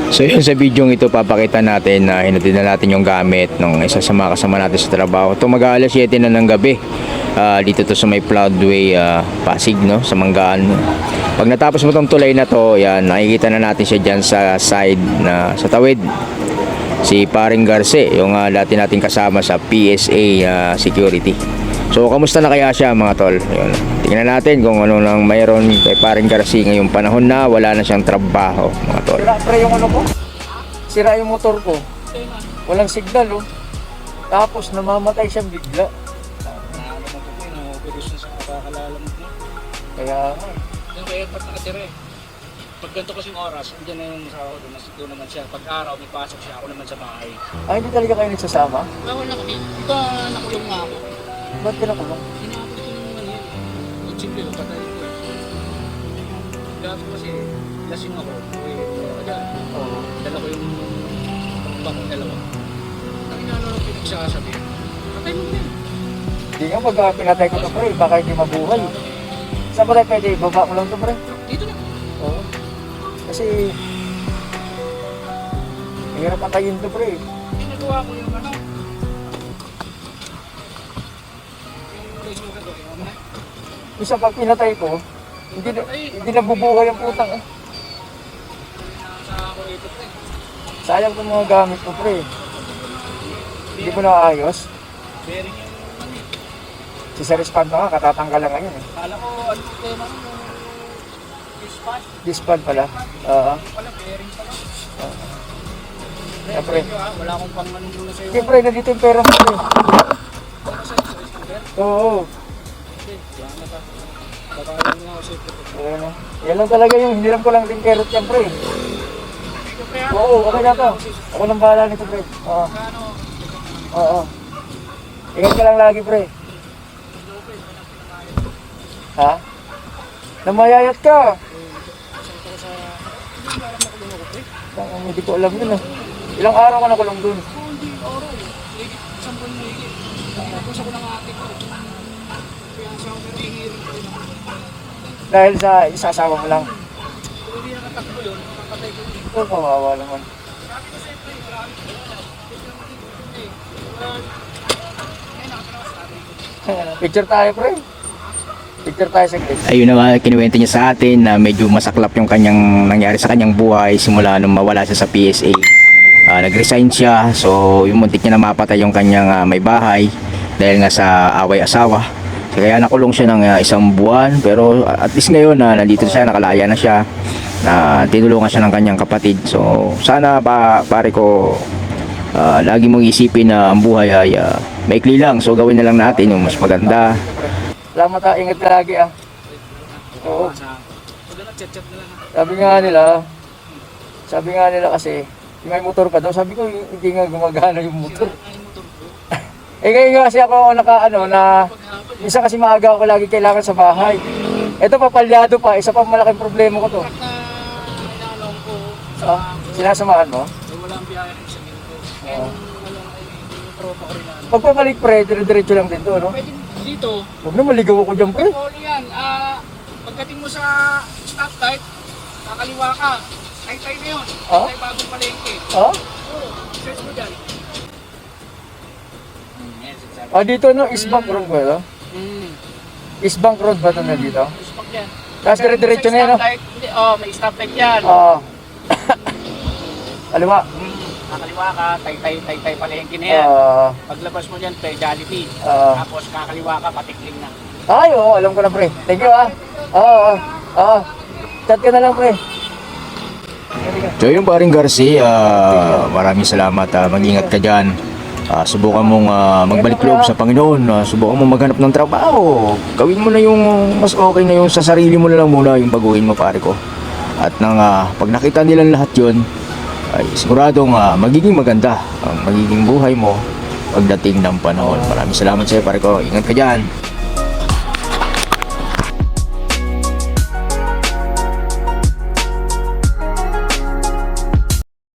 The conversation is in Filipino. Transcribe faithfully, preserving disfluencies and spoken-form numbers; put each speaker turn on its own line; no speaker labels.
So yun, sa video ito papakita natin na hinatid na natin yung gamit ng isa sa mga kasama natin sa trabaho. Ito mag-aalas siyete na ng gabi. Uh, dito to sa may Floodway, uh, Pasig, no, sa Manggaan. Pag natapos mo tong tulay na to, yan, nakikita na natin siya dyan sa side na sa tawid. Si Paring Garce, yung uh, dati natin kasama sa P S A uh, security. So kamusta na kaya siya, mga tol? Yun. Tingnan natin kung ano nang mayroon kay Paring Garce ngayong panahon na wala na siyang trabaho, mga tol.
Sira pre yung ano ko. Sira yung motor ko. Walang signal, oh. Tapos namamatay siya bigla. Kaya
yung kaya pag nakatira eh. Pag ganito kasing oras, andyan na yung asawa ko doon, nandito naman siya. Pag araw, may pasok siya, ako naman sa bahay.
ay, hindi talaga kayo nagsasama?
Bawal na kami. Ito, nakulong nga ako.
Ba't pinakulong?
Hinapit ko yung ano yun. Yung simple, yung patay ko eh. Gabi kasi, lasing ako. Uy, ako dyan.
Oo.
Dala ko yung bakong dalawa. Ang inano lang pinagsasabi. Patay mo na yun.
Hindi nga, pag uh, pinatay ko to pre, baka hindi mabuhay. Saan ba tayo pwede? Baba ko lang to pre?
Dito na.
Oo. Kasi hirap patayin to pre.
Pinagawa ko yung ano. Yung place mo ka doon, yung na.
Isa pag pinatay ko, hindi na, hindi nabubuhay ang putang eh.
Sa ako ito pre.
Sayang itong mga gamit ko pre. Hindi ko na ayos.
Bearing yung ano eh.
Si Sir Espanto nga, katatanggal lang ngayon eh.
Kala ko ano yung tema mo. Dispatch.
Dispad pala. Oo.
Wala, bearing pala.
Siyempre.
Wala akong pang ano muna sa'yo.
Siyempre, nandito yung pera mo pre.
Ano sa'yo? Sa scooter?
Oo.
Okay, yan na ka. Bakayan mo ako sa'yo.
Ayan, oh. Yan lang talaga yung hiniram ko lang din kerot yan pre. Oo, okay na to. Ako nang bahala nito pre. Oo.
Ano?
Oo. Ingat ka lang lagi pre. Ha? Namayayat ka. Ang hindi ko alam yun ah. Ilang araw ka nakulong dun?
Hindi, oro. Higit, isang buwan mo higit. Tapos ako ng ate ko. Kaya siya ako pero hihirin ko rin ako.
Dahil sa isasawa mo lang.
Kung hindi nakatakbo yun, papatay ko dito.
Ito, kawawa naman.
Sabi ko siyempre, marami ko na. Eh, wala. Eh, nakatalawa sa ate ko.
Picture tayo pre. Picture tayo sa gate.
Ayun na nga, kinuwento niya sa atin na medyo masaklap yung kanyang nangyari sa kanyang buhay simula nung mawala siya sa P S A. Uh, nag-resign siya, so yung muntik niya na mapatay yung kanyang uh, may bahay dahil nga sa away asawa. So, kaya nakulong siya ng uh, isang buwan, pero uh, at least ngayon na uh, nandito siya, nakalaya na siya, na uh, tinulungan siya ng kanyang kapatid. So sana pa pare ko, uh, lagi mong isipin na ang buhay ay uh, maikli lang, so gawin na lang natin yung mas maganda.
Salamat ha, ingat lagi ah. Oo.
Pag nag-chat-chat na lang.
Sabi nga nila, sabi nga nila kasi, may motor ka daw. Sabi ko, hindi nga gumagana yung motor.
Ay, motor ko.
Eh ngayon kasi ako naka ano na, isa kasi maaga ako lagi kailangan sa bahay. Ito papalyado pa, isa pa malaking problema ko to.
At na inaalong ko
Ah, sinasamahan mo?
eh, walang biyahe sa ko. Eh,
Oo.
walang ay, yung tropa ko rin na ano.
Pagpapalik pre, dire-diretso lang din to, no?
Pwede dito.
Huwag na maligaw ako dyan pre.
All yan. Ah, pagdating mo sa stoplight, kakaliwa ka. Tay-tay na yun.
Ah?
Tay bagong palengke.
Ha?
Oo, search mo dyan. Hmm, yan, sinasabi.
Ah, dito no, East Bank Road ba ito?
Hmm,
East Bank Road ba ito na dito?
uspak yan.
Tapos dire-diretso na yan, no?
Stoplight, hindi, oh, may stoplight yan.
Ah. Kaliwa.
Hmm, kakaliwa ka, tay-tay, tay-tay palengke na yan.
Ah.
Paglabas mo dyan, tay Jollibee.
Ah.
Tapos kakaliwa ka, patikling na.
Ay, oo, alam ko na pre. Thank you ah. Oo, oo. Oo. Chat ka na lang pre.
So yung Paring Garcia, uh, maraming salamat, uh, mag-ingat ka dyan. Uh, subukan mong uh, magbalik loob sa Panginoon, uh, subukan mong maghanap ng trabaho. Gawin mo na yung mas okay na yung sa sarili mo na lang muna yung baguhin mo pare ko. At nang uh, pag nakita nilang lahat yun, ay siguradong uh, magiging maganda ang magiging buhay mo pagdating ng panahon. Maraming salamat sa iyo pare ko, ingat ka dyan.